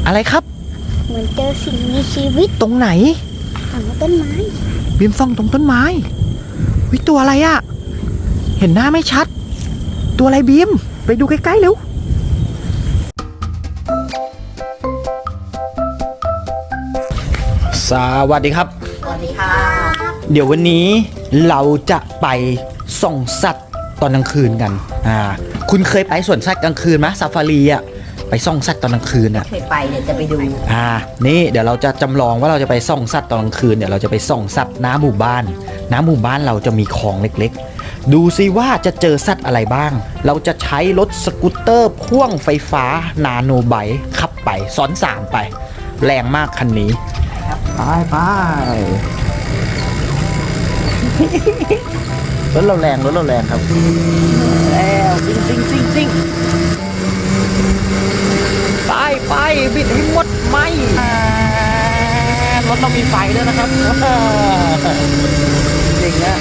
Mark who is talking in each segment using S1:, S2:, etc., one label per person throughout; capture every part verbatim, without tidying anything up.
S1: อะไรครับ
S2: เหมือนเจอสิ่งมีชีวิต
S1: ตรงไหน
S2: ฝั่งต้นไม้
S1: บีมส่องตรงต้นไม้วิตัวอะไรอะเห็นหน้าไม่ชัดตัวอะไรบีมไปดูใกล้ๆเร็วสวัสดีครับ
S2: สวัสดีค่ะ
S1: เดี๋ยววันนี้เราจะไปส่องสัตว์ตอนกลางคืนกันอ่าคุณเคยไปสวนสัตว์กลางคืนไหมซาฟารีอ่ะไปส่องสัตว์ตอนกลางคืนอ่ะ
S2: เคยไปเดี๋ยวจะไปดู
S1: อ่านี่เดี๋ยวเราจะจำลองว่าเราจะไปส่องสัตว์ตอนกลางคืนเดี๋ยวเราจะไปส่องสัตว์น้ำหมู่บ้านน้ำหมู่บ้านเราจะมีคลองเล็กๆดูซิว่าจะเจอสัตว์อะไรบ้างเราจะใช้รถสกูตเตอร์พ่วงไฟฟ้านาโนไบค์ขับไปซ้อนสามไปแรงมากคันนี้ไปไปรถเราแรงรถเราแรงครับแล้วซิ่งซิ่งซิ่งซิ่งไปไปบิดให้หมดไหมรถเรามีไฟด้วยนะครับจริงนะ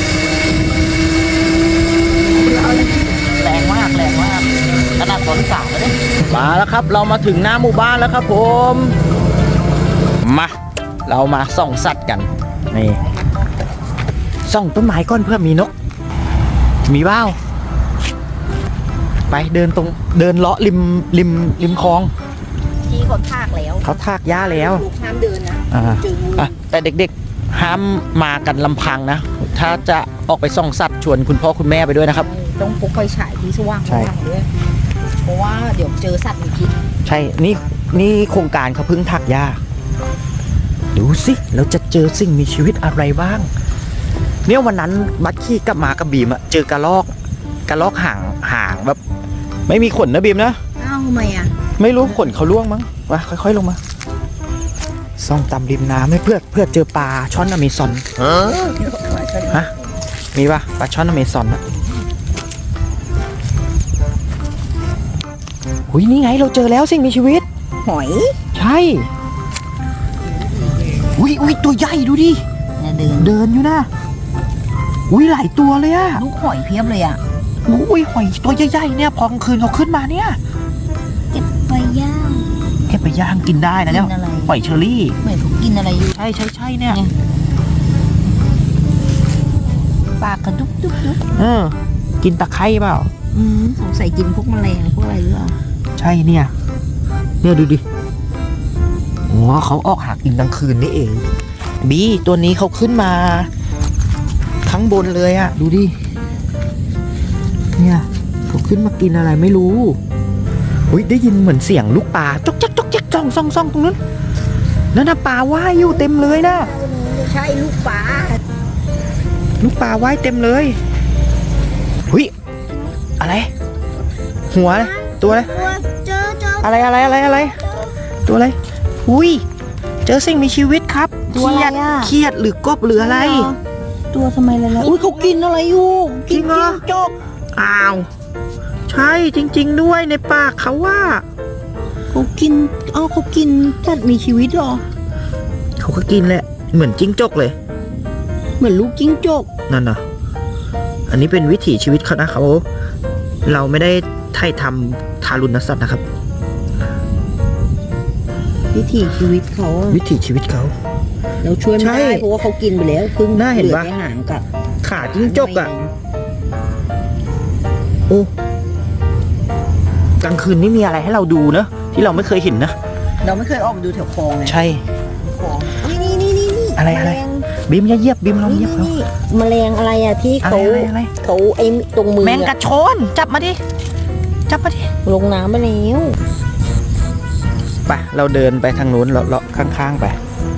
S1: แรงมากแรงมากขนาดฝนสาดเลยมาแล้วครับเรามาถึงหน้าหมู่บ้านแล้วครับผมมาเรามาส่องสัตว์กันนี่ส่องต้นไม้ก้อนเพื่อมีนกมีบ้าไปเดินตรงเดินเลาะริมริมริมคลอง
S2: ที่เขาทากแล้ว
S1: เขาทากหญ้าแล้ว
S2: ห้ามเดินนะ
S1: อ่าแต่เด็กๆห้ามมากันลำพังนะถ้าจะออกไปส่องสัตว์ชวนคุณพ่อคุณแม่ไปด้วยนะครับ
S2: ต้องพกไฟฉายที่สว่างด้วยเพราะว่าเดี๋ยวเจอสัตว์มีพิษ
S1: ใช่นี่นี่โครงการเขาเพิ่งทักหญ้าดูสิเราจะเจอสิ่งมีชีวิตอะไรบ้างเนี่ยวันนั้นบัคกี้กับมากับบีมอะเจอกระรอกกระรอกห่างห่างแบบไม่มีขนนะบีมนะ
S2: อ้าวทำไมอะ
S1: ไม่รู้ขนเขาล่วงมั้งมาค่อยๆลงมาส่องตามริมน้ำให้เพื่อเพื่อเจอปลาช่อนอเมซอนฮะมีปะปลาช่อนอเมซอนอะหุยนี่ไงเราเจอแล้วสิ่งมีชีวิต
S2: หอย
S1: ใช่อุ้ยอุ้ยตัวใหญ่ดูดิ
S2: เดิน
S1: เดินอยู่นะอุ้ยหลายตัวเลยอะ
S2: ลูกหอยเพียบเลยอะ
S1: อุ้ยหอยตัวใหญ่ๆเนี่ยพอกลางคืนเขาขึ้นมาเนี่ย
S2: เก็บไปย่าง
S1: เก็บไปย่างกินได้นะเนี่ยหอยเชอรี่
S2: เหมือนเขากินอะไรอยู่
S1: ใช่ใช่ใช่เนี่ย
S2: ปากกระดุกดุกดุก
S1: เออกินตะไคร้เปล่า
S2: อืมสงสัยกินพวกแมลงพวกอะไรหรือเปล่า
S1: ใช่เนี่ยเนี่ยดูดิอ๋อเขาออกหากินกลางคืนนี่เองบีตัวนี้เขาขึ้นมาข้างบนเลยอะดูดิเนี่ยเขาขึ้นมากินอะไรไม่รู้อุ้ยได้ยินเหมือนเสียงลูกปลาจ๊กจ๊กจ๊กจ๊กจ้องซ่องซ่องตรงนั้นนั่นน่ะปลาว่ายอยู่เต็มเลยนะ
S2: ใช่ลูกปลา
S1: ลูกปลาว่ายเต็มเลยหุ้ยอะไรหัวตัวอะไรอะไรอะไรอะไรอะไรตัวอะไรอุ้ยเจอสิ่งมีชีวิตครับเครียดเครียดหรือกบหรืออะไร
S2: ตัวทำไมอะไรอุ้ยเขากินอะไรอยู่
S1: กินจิ้งจกอ้าวใช่จริงๆด้วยในปากเขาว่า
S2: เขากินอ้าวเขากินสัตว์มีชีวิตหรอ
S1: เขาก็กินแหละเหมือนจิ้งจกเลย
S2: เหมือนลูกจิ้งจก
S1: นั่นน่ะอันนี้เป็นวิถีชีวิตเขานะเขาเราไม่ได้ไถ่ทำทารุณสัตว์นะครับ
S2: วิถีชีวิตเขา
S1: วิถีชีวิตเขา
S2: เราช่วยไม่ได้เพราะว่าเขากินไปแล้วครึ่ง
S1: น่าเห็นปะ
S2: หางกับ
S1: ขาจิ้งจกอ่ะโอ้กลางคืนนี่มีอะไรให้เราดูเนอะที่เราไม่เคยเห็นนะ
S2: เราไม่เคยออกมาดูแถวคลองไง
S1: ใช่
S2: คลองนี่นี่นี่นี่
S1: อะไรอะไรบีมอย่าเหยียบบีมลองเหยียบเขา
S2: แมลงอะไรอ่ะที่เขาเขาไอ้ตรงมือ
S1: แมงกระโชนจับมาดิจับมาดิ
S2: ลงน้ำไปแล้ว
S1: ไปเราเดินไปทางนู้นเลาะข้างๆไป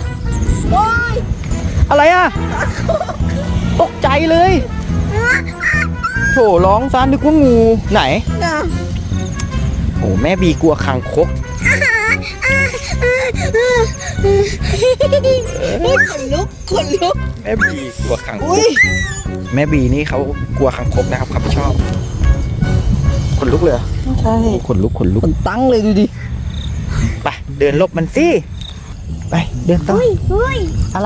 S1: อะไรอ่ะตกใจเลยโถร้องซานนึกว่างูไหนโอ้แม่บีกลัวคางคก
S2: ขนลุกขนลุก
S1: แม่บีกลัวคางคกแม่บีนี่เขากลัวคางคกนะครับเขาไม่ชอบขนลุกเลย
S2: ใช่
S1: ขนลุกขนลุก
S2: ขนตั้งเลยดูดิ
S1: ไปเดินลบมันสิไปเดินต่ออะไร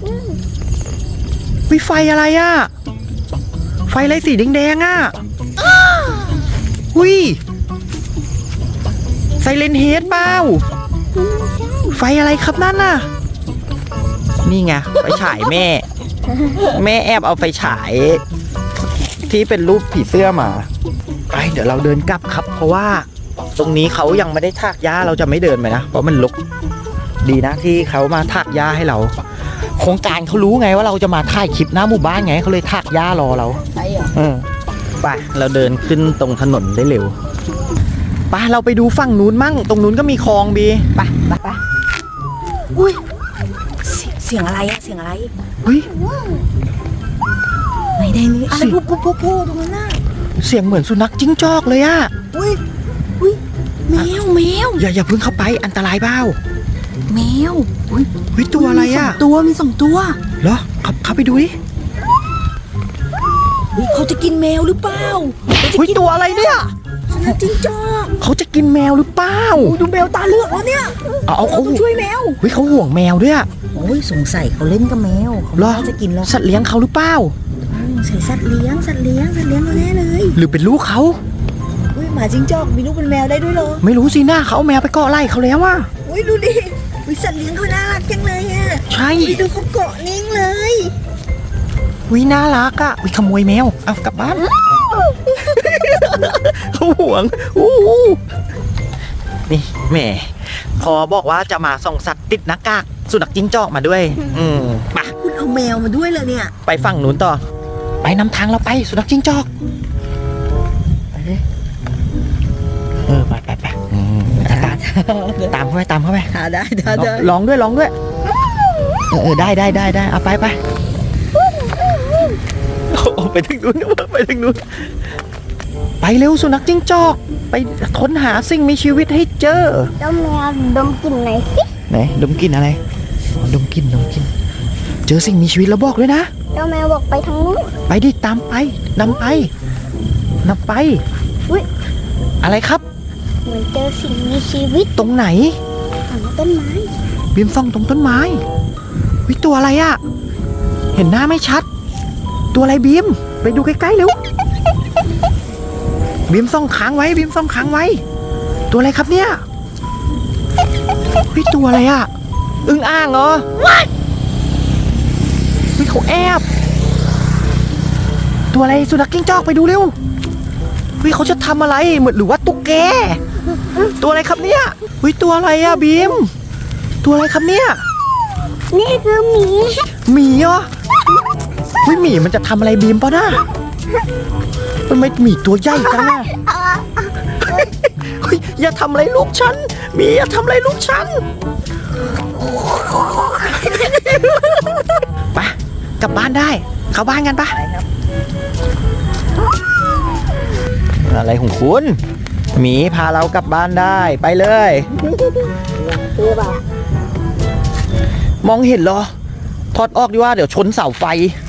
S1: วิไฟอะไรอ่ะไฟอะไรสีแดงๆอ่ะหุยไซเลนเฮดเปล่าไฟอะไรครับนั่นน่ะนี่ไงไฟฉายแม่ แม่แอบเอาไฟฉาย ที่เป็นรูปผีเสื้อมาไปเดี๋ยวเราเดินกลับครับ เพราะว่าตรงนี้เขายังไม่ได้ถากหญ้าเราจะไม่เดินไปนะเพราะมันรกดีนะที่เขามาถากหญ้าให้เราโครงการเขารู้ไงว่าเราจะมาถ่ายคลิปหน้าหมู่บ้านไงเขาเลยถากหญ้ารอเรา
S2: ใช่เหรอ
S1: เออไปเราเดินขึ้นตรงถนนได้เร็วไปเราไปดูฝั่งนู้นมั่งตรงนู้นก็มีคลองบี
S2: ไปไปไปอุ้ยเสียงเสียงอะไรอะเสียงอะไร
S1: เฮ้ย
S2: ไหนแดงนี่อะไรปุ๊บปุ๊บปุ๊บปุ๊บตรงนั้นน่ะ
S1: เสียงเหมือนสุนัขจิ้งจอกเลยอะ
S2: อุ้ยอุ้ยแมวแมว
S1: อย่าอย่าเพิ่งเข้าไปอันตรายเปล่า
S2: แมวอุ้ย
S1: เฮ้ยตัวอะไรอะ
S2: มีสงตัวมีสองตัว
S1: เหรอเข้าเข้าไปดูดิ
S2: อุ้ยเขาจะกินแมวหรือเปล่า
S1: เฮ้ยตัวอะไรเนี่ย
S2: สุนัขจิ้งจอก
S1: เขาจะกินแมวหรือเปล่า
S2: อุ้ยดูแมวตาเลือกแล้วเนี่ย
S1: เอาเอาเขา
S2: ต้องช่วยแมว
S1: เฮ้ยเขาห่วงแมวด้วยอะ
S2: โอ้ยสงสัยเขาเล่นกับแมวเขา
S1: เหรอ
S2: น่าจะกินแล้ว
S1: สัตว์เลี้ยงเขาหรือเปล่า
S2: อืมใส่สัตว์เลี้ยงสัตว์เลี้ยงสัตว์เลี้ยงเราแน่เลย
S1: หรือเป็นลูกเขา
S2: อุ้ยหมาจิ้งจอกมีลูกเป็นแมวได้ด้วยเหรอ
S1: ไม่รู้สิหน้าเขาเอาแมวไปเกาะไล่เขาแล้วอะ
S2: อุ้ยดูดิอุ้ยสัตว์เลี้ยงเขาน่ารักจังเลยอ่ะ
S1: ใช่
S2: อุ้ยดูเขาเกาะนิ่งเลย
S1: วิน่ารักอะวิขโมยแมวเอากลับบ้าน เขาห่วงอู้หูนี่แหม่พอบอกว่าจะมาส่องสัตว์ติดหน้ากากสุนัขจิ้งจอกมาด้วย อืมไป
S2: คุณเอาแมวมาด้วยเลยเนี่ย
S1: ไปฝั่งนู้นต่อ ไปนำทางเราไปสุนัขจิ้งจอกไปเลยเออไปไปไปอืมตามตามเข้าไปตามเข้าไป
S2: หาได้ได้ได้
S1: ลองด้วยลองด้วยเออเออได้ได้ได้ได้เอาไปไปโอ้ไปถึงนู้นไปถึงนู้นไปเร็วสุนัขจิ้งจอกไปค้นหาสิ่งมีชีวิตให้เจอ
S3: เจ้าแมวดมกลิ่นไหนอยสิ
S1: ไหนดมกลิ่นอะไรอ๋อดมกลิ่นดมกลิ่นเจอสิ่งมีชีวิตแล้วบอกด้วยนะ
S3: เจ้าแมวบอกไปทางนู้น
S1: ไปดิตามไปนำไปนำไป
S3: อุ๊ย
S1: อะไรครับ
S3: เหมือนเจอสิ่งมีชีวิต
S1: ตรงไหน
S3: ฝั่งต้นไม้
S1: บีมส่องตรงต้นไม้วิตัวอะไรอะเห็นหน้าไม่ชัด ตัวอะไรบีมไปดูใกล้ๆเร็วบีมส่องค้างไว้บีมส่องค้างไว้ ตัวอะไรครับเนี่ยวิตัวอะไรอะอึ่งอ่างเหรอวิเขาแอบตัวอะไรสุนัขจิ้งจอกไปดูเร็ววิเขาจะทำอะไรเหมือนหรือว่าตุ๊กแกตัวอะไรครับเนี่ยวิตัวอะไรอะบีมตัวอะไรครับเนี่ย
S3: นี่คือหมี
S1: หมีเหรอวิหมีมันจะทำอะไรบีมปะน่ะมันไม่หมีตัวใหญ่จังอะเฮ้ยอย่าทำอะไรลูกฉันหมีอย่าทำอะไรลูกฉันไปกลับบ้านได้เข้าบ้านกันปะอะไรของคุณหมีพาเรากลับบ้านได้ไปเลย
S3: คือแบบ
S1: มองเห็นเหรอถอดออกดีว่าเดี๋ยวชนเสาไฟ